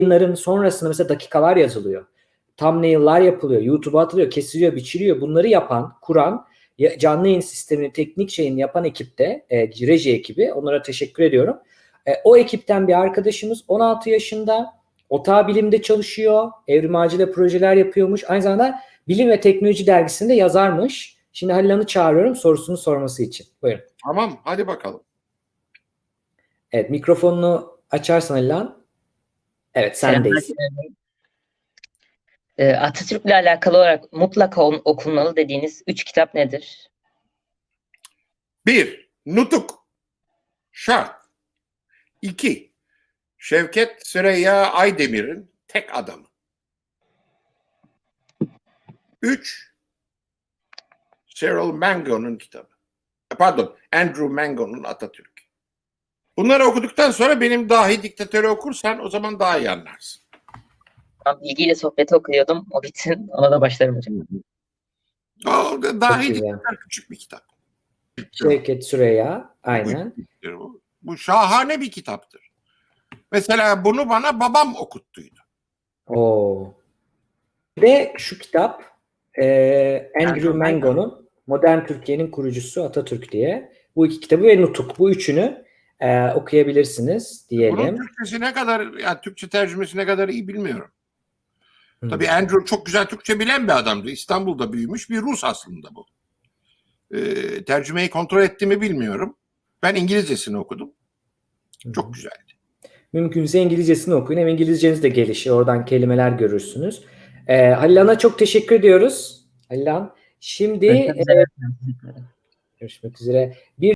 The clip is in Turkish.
yayınların sonrasında mesela dakikalar yazılıyor. Thumbnail'lar yapılıyor, YouTube'a atılıyor, kesiliyor, biçiliyor. Bunları yapan, kuran, canlı yayın sistemini, teknik şeyini yapan ekipte, reji ekibi, onlara teşekkür ediyorum. O ekipten bir arkadaşımız 16 yaşında, OTA Bilim'de çalışıyor, Evrim Ağacı'yla projeler yapıyormuş. Aynı zamanda Bilim ve Teknoloji dergisinde yazarmış. Şimdi Halil Han'ı çağırıyorum sorusunu sorması için. Buyurun. Tamam, hadi bakalım. Evet, mikrofonunu açarsan Halil Han. Evet, sendeyiz. Atatürk'le alakalı olarak mutlaka okunmalı dediğiniz 3 kitap nedir? 1. Nutuk. Şart. 2. Şevket Süreyya Aydemir'in Tek Adamı. 3. Cyril Mango'nun kitabı. Pardon, Andrew Mango'nun Atatürk. Bunları okuduktan sonra benim Dahi Diktatörü okursan o zaman daha iyi anlarsın. Ben bilgiyle sohbeti okuyordum. O bitsin. Ona da başlarım hocam. O Dahi Diktatör küçük bir kitap. Şevket Süreyya, aynen. Bu şahane bir kitaptır. Mesela bunu bana babam okuttuydu. Oo. Ve şu kitap Andrew Mango'nun Modern Türkiye'nin Kurucusu Atatürk diye. Bu iki kitabı ve Nutuk. Bu üçünü okuyabilirsiniz diyelim. Bunun Türkçesi ne kadar, yani Türkçe tercümesi ne kadar iyi bilmiyorum. Tabii Andrew çok güzel Türkçe bilen bir adamdı. İstanbul'da büyümüş bir Rus aslında bu. Tercümeyi kontrol etti mi bilmiyorum. Ben İngilizcesini okudum. Çok güzeldi. Mümkünse İngilizcesini okuyun. Hem İngilizceniz de gelişir. Oradan kelimeler görürsünüz. Halil Han'a çok teşekkür ediyoruz. Halil Han. Şimdi görüşmek üzere.